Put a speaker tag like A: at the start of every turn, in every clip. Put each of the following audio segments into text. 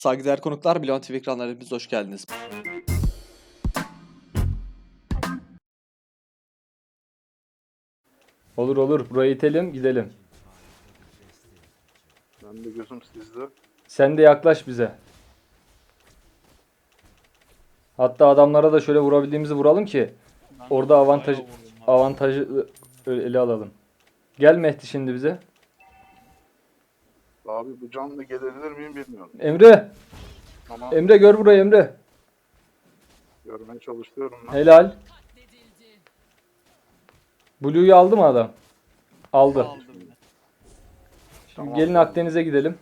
A: Saygıdeğer konuklar, Bilon TV ekranlarına hepiniz hoş geldiniz.
B: Olur olur. Burayı itelim gidelim.
C: Ben de gözüm sizde.
B: Sen de yaklaş bize. Hatta adamlara da şöyle vurabildiğimizi vuralım ki orada avantajı ele alalım. Gel Mehdi şimdi bize.
C: Abi bu canlı gelebilir miyim bilmiyorum.
B: Emre.
C: Ama
B: Emre gör burayı Emre.
C: görmeye çalışıyorum ben.
B: Helal. Blue'yu aldı mı adam? Aldı.
D: Aldım.
B: Şimdi
C: Tamam.
B: gelin Akdeniz'e gidelim.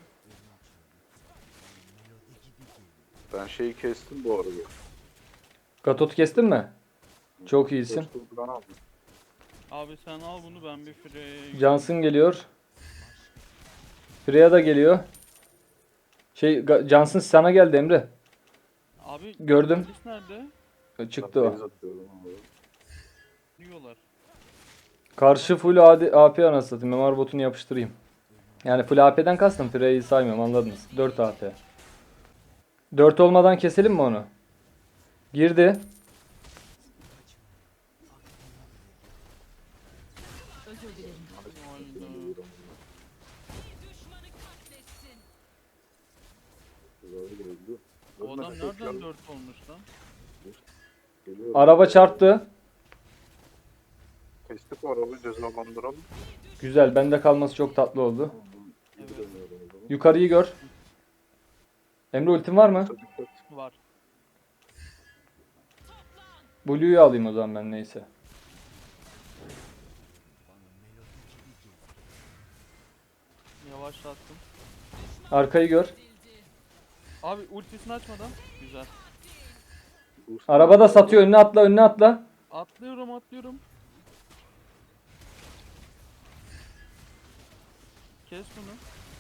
C: Ben şeyi kestim bu arada.
B: Gatot kestin mi? Çok iyisin.
C: Ben aldım.
D: Abi sen al bunu, ben bir Freya'ya
B: Johnson geliyor. Freya da geliyor. Johnson sana geldi Emre.
D: Abi
B: Gördüm.
D: polis nerede?
B: Çıktı
C: Ben
B: o.
C: base atıyorum abi.
D: Diyorlar.
B: Karşı full AP anasını satayım. MMR botunu yapıştırayım. Yani full AP'den kastım. Freya'yı saymıyorum, anladınız. 4 AP. 4 olmadan keselim mi onu? Girdi.
C: Güzel geldi.
D: O adam
C: Ölmedi,
D: nereden
C: tekrar
D: 4 olmuş lan?
C: geliyor.
B: Araba çarptı.
C: Kestik o arabayı, cezalandıralım.
B: Güzel. Bende kalması çok tatlı oldu.
D: Evet.
C: Gidemiyorum o zaman.
B: Yukarıyı gör. Emre ultin var mı?
C: Dikkat.
D: Var.
B: Blue'yu alayım o zaman ben, neyse.
D: Yavaşlattım.
B: Arkayı gör.
D: Abi ultisini açmadan. Güzel.
B: Araba da satıyor. Önüne atla, önüne atla.
D: Atlıyorum. Kes bunu.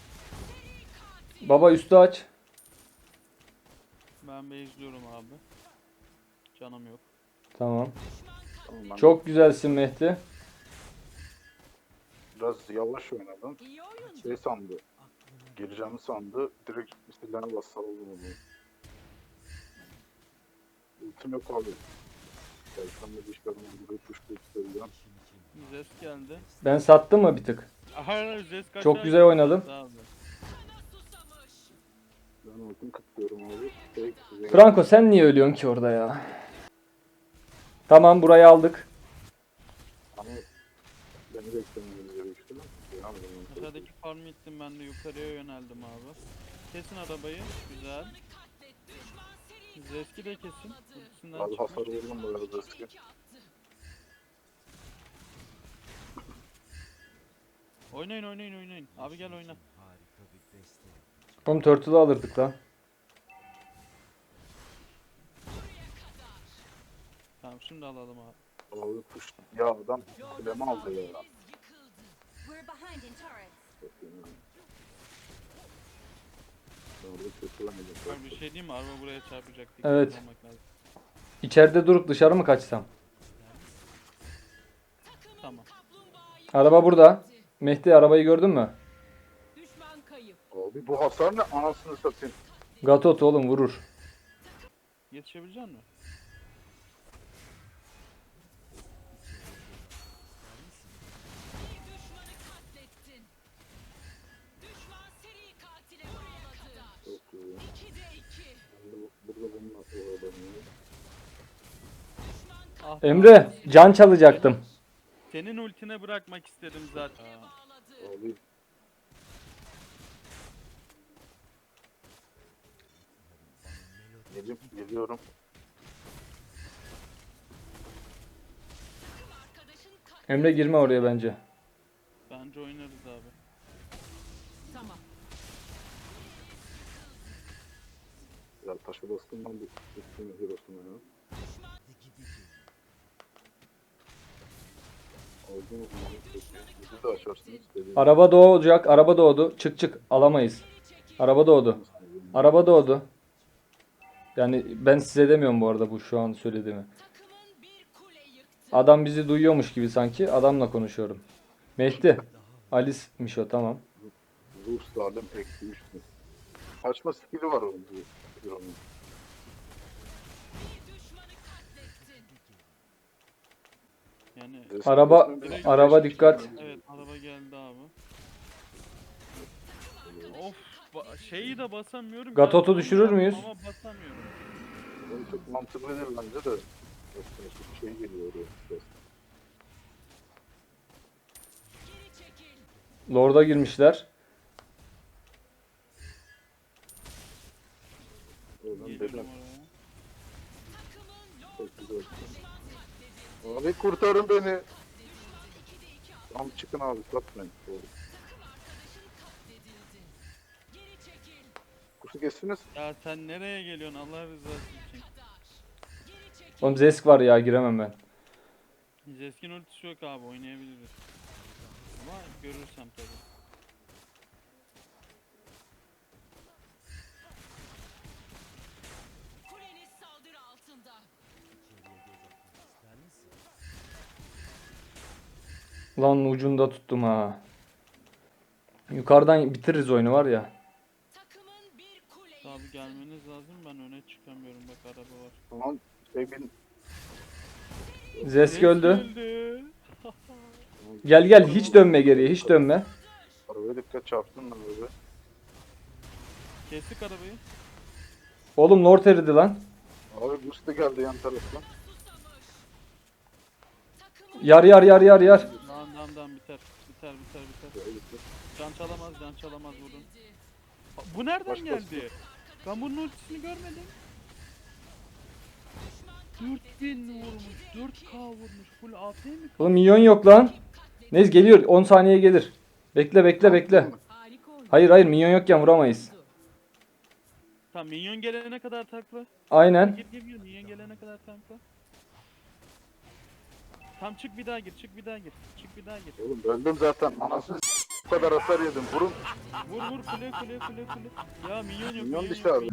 B: Baba üstü aç.
D: Ben izliyorum abi. Canım yok.
B: Tamam.
C: Tamam, ben
B: Çok güzelsin Mehdi.
C: biraz yavaş oynadım. Şey sandı. Gireceğimi sandı. Direkt silahına bastı aldım onu. Ultim yok abi. Gelsen de dişlerimi gibi tuşlu istedim.
D: Zes geldi.
B: Ben sattım mı bir tık?
D: Aha, Zes kaçar.
B: Çok güzel oynadım.
D: Abi.
C: Ben ultim kıtlıyorum abi. Tek size
B: Franco sen niye ölüyorsun ki orada ya? Tamam, burayı aldık.
C: Ama beni beklemeniz gerekiyor.
D: Aşağıdaki farmı ittim, ben de yukarıya yöneldim abi. Kesin arabayı. Güzel. Zeski de kesin. Ultisinden
C: Abi
D: çıkmış.
C: hasar vurdum bu arada eski.
D: Oynayın. Abi gel oyna.
B: Oğlum Turtle'ı alırdık lan.
D: Tamam, şimdi alalım abi.
C: Abi kuş. Ya adam kulemi aldı ya.
E: We're behind in turrets.
C: Orada kötülemedim.
D: Ben bir şey diyeyim mi? Araba buraya çarpacak. Dikkat
B: Evet.
D: olmak lazım.
B: İçeride durup dışarı mı kaçsam?
D: Tamam.
B: Araba burada. Mehdi, arabayı gördün mü?
C: Abi bu hasar ne anasını satayım.
B: Gatot oğlum, vurur.
D: Yetişebilecek misin?
C: Çok iyi. Ben de burada bununla oyalanıyorum.
D: Ah,
B: Emre, can çalacaktım.
D: senin ultine bırakmak istedim zaten.
C: Abi geliyorum.
B: Emre girme oraya bence.
D: Bence oynarız abi.
C: Ya taşı bastım ben bu üstüne Hiros'una ya. Aldınız mı? Siz de açarsınız.
B: Araba doğacak. Araba doğdu. Çık. Alamayız. Araba doğdu. Araba doğdu. Yani ben size demiyorum bu arada bu şu an söylediğimi. Adam bizi duyuyormuş gibi sanki. Adamla konuşuyorum. Mehdi. Alice'miş o, tamam.
C: Rus alem eksi 3 mü? Kaçma skill'i var onun. Onun.
D: Yani
B: Araba
C: Direkt-
B: araba dikkat.
D: evet araba geldi abi. Of şeyi de basamıyorum.
B: Gatot'u
D: ya,
B: düşürür müyüz?
D: Ama basamıyorum.
C: Onun çok mantıklı değil bence de. Bir şey geliyor oraya.
B: Lord'a girmişler.
C: Oradan
D: Geliyorum
C: dedim.
D: oraya.
C: Çok güzel. Abi kurtarın beni. Tamam çıkın abi satmayın. Doğru. Kuşu kestiniz.
D: Ya sen nereye geliyorsun Allah rızası için?
B: Oğlum Zesk var ya, giremem ben.
D: Zeskin ultisi yok abi, oynayabiliriz. Ama görürsem tabii.
E: Kuleniz saldırı altında.
B: Lan ucunda tuttum ha. Yukarıdan bitiririz oyunu var ya.
E: Takımın bir kule
D: Abi gelmeniz lazım, ben öne çıkamıyorum, bak araba var.
C: Tamam. Bin.
B: Zesk öldü.
D: öldü.
B: Gel gel, hiç dönme geriye, hiç dönme.
C: Arabaya dikkat çarptın lan abi.
D: Kestik arabayı.
B: Oğlum Lord eridi lan.
C: Abi boost da geldi yan taraftan.
B: Yar yar yar yar yar.
D: Tamam biter. Can çalamaz vurun. Bu nereden
C: Başka-
D: geldi? Ben bunun ultisini görmedim. 4000 vurmuş, 4K vurmuş. Full AP mi?
B: Oğlum minyon yok lan. Neyse geliyor, 10 saniye gelir. Bekle bekle bekle. Hayır hayır, minyon yokken vuramayız.
D: Tamam, minyon gelene kadar takla.
B: Aynen.
D: Gir minyon gelene kadar takla. Tam çık bir daha gir. Çık bir daha gir.
C: Oğlum öldüm zaten. Anasını bu kadar hasar yedim. Vurun.
D: Vur kule. Ya minyon yok.
C: Minyon
D: yok.
C: dışı abi.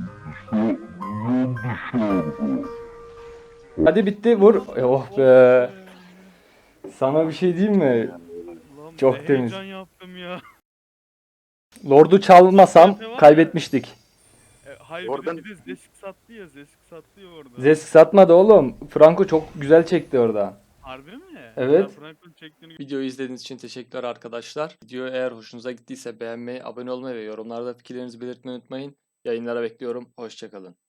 B: Hadi bitti, vur. Oh be. Sana bir şey diyeyim mi?
D: Ulan
B: Çok
D: be,
B: temiz.
D: Heyecan yaptım ya.
B: Lord'u çalmasam kaybetmiştik.
D: Hayır
C: Oradan-
D: bir de Zesk sattı ya. Orada.
B: Zesk satmadı oğlum. Franco çok güzel çekti orada.
D: Harbi mi?
B: Evet.
D: Ya Frank'ın çektiğini
A: Videoyu izlediğiniz için teşekkürler arkadaşlar. Video eğer hoşunuza gittiyse beğenmeyi, abone olmayı ve yorumlarda fikirlerinizi belirtmeyi unutmayın. Yayınlara bekliyorum. Hoşçakalın.